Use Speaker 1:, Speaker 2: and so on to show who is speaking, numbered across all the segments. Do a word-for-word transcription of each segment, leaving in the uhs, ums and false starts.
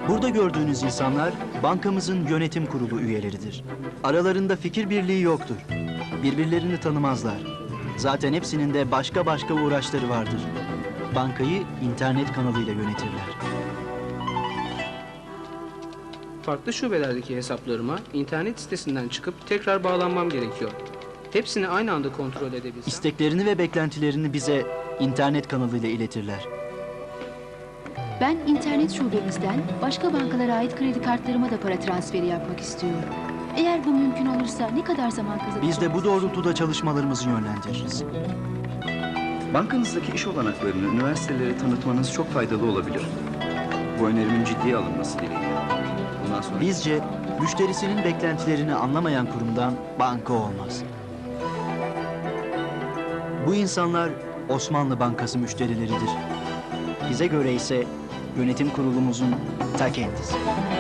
Speaker 1: Burada gördüğünüz insanlar bankamızın yönetim kurulu üyeleridir. Aralarında fikir birliği yoktur. Birbirlerini tanımazlar. Zaten hepsinin de başka başka uğraşları vardır. Bankayı internet kanalıyla yönetirler.
Speaker 2: Farklı şubelerdeki hesaplarıma internet sitesinden çıkıp tekrar bağlanmam gerekiyor. Hepsini aynı anda kontrol edebilsem...
Speaker 1: İsteklerini ve beklentilerini bize internet kanalıyla iletirler.
Speaker 3: Ben internet şubemizden başka bankalara ait kredi kartlarıma da para transferi yapmak istiyorum. Eğer bu mümkün olursa ne kadar zaman kazanacağız?
Speaker 1: Biz de bu doğrultuda çalışmalarımızı yönlendiririz.
Speaker 4: Bankanızdaki iş olanaklarını üniversitelere tanıtmanız çok faydalı olabilir. Bu önerimin ciddiye alınması dileğiyle. Bundan sonra...
Speaker 1: Bizce müşterisinin beklentilerini anlamayan kurumdan banka olmaz. Bu insanlar Osmanlı Bankası müşterileridir. Bize göre ise yönetim kurulumuzun ta kendisi.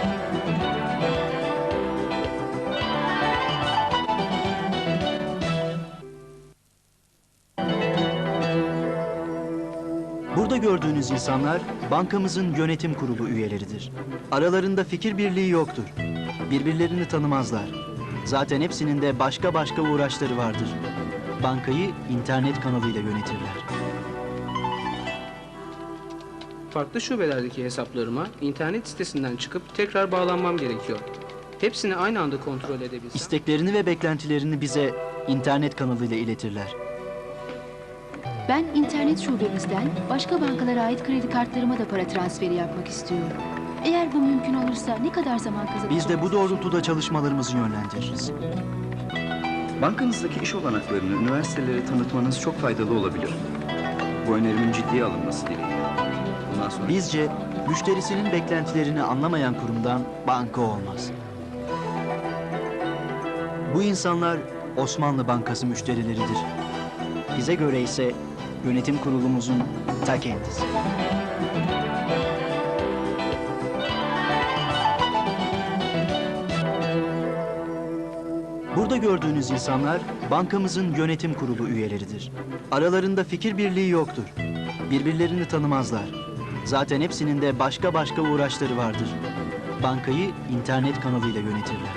Speaker 1: Burada gördüğünüz insanlar bankamızın yönetim kurulu üyeleridir. Aralarında fikir birliği yoktur. Birbirlerini tanımazlar. Zaten hepsinin de başka başka uğraşları vardır. Bankayı internet kanalıyla yönetirler.
Speaker 2: Farklı şubelerdeki hesaplarıma internet sitesinden çıkıp tekrar bağlanmam gerekiyor. Hepsini aynı anda kontrol edebilsem...
Speaker 1: İsteklerini ve beklentilerini bize internet kanalıyla iletirler.
Speaker 3: Ben internet şubemizden başka bankalara ait kredi kartlarıma da para transferi yapmak istiyorum. Eğer bu mümkün olursa ne kadar zaman kazanacağız?
Speaker 1: Biz de bu doğrultuda çalışmalarımızı yönlendiririz.
Speaker 4: Bankanızdaki iş olanaklarını üniversitelere tanıtmanız çok faydalı olabilir. Bu önerimin ciddiye alınması dileğiyle. Bundan sonra...
Speaker 1: Bizce müşterisinin beklentilerini anlamayan kurumdan banka olmaz. Bu insanlar Osmanlı Bankası müşterileridir. Bize göre ise yönetim kurulumuzun ta kendisi. Burada gördüğünüz insanlar bankamızın yönetim kurulu üyeleridir. Aralarında fikir birliği yoktur. Birbirlerini tanımazlar. Zaten hepsinin de başka başka uğraşları vardır. Bankayı internet kanalıyla yönetirler.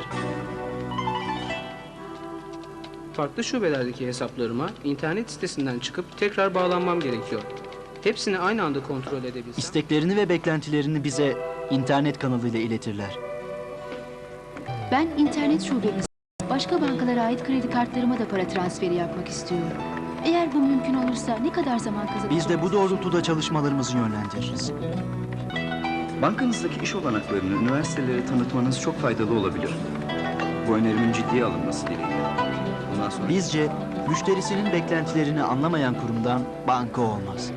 Speaker 2: Farklı şubelerdeki hesaplarıma internet sitesinden çıkıp tekrar bağlanmam gerekiyor. Hepsini aynı anda kontrol edebilsem...
Speaker 1: İsteklerini ve beklentilerini bize internet kanalıyla iletirler.
Speaker 3: Ben internet şubemizden başka bankalara ait kredi kartlarıma da para transferi yapmak istiyorum. Eğer bu mümkün olursa ne kadar zaman kazanacağız?
Speaker 1: Biz de bu doğrultuda çalışmalarımızı yönlendiririz.
Speaker 4: Bankanızdaki iş olanaklarını üniversitelere tanıtmanız çok faydalı olabilir. Bu önerimin ciddiye alınması dileğiyle. Bundan sonra...
Speaker 1: Bizce müşterisinin beklentilerini anlamayan kurumdan banka olmaz.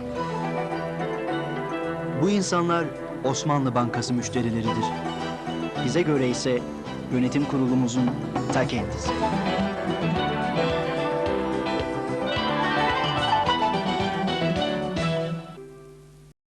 Speaker 1: Bu insanlar Osmanlı Bankası müşterileridir. Bize göre ise yönetim kurulumuzun ta kendisi.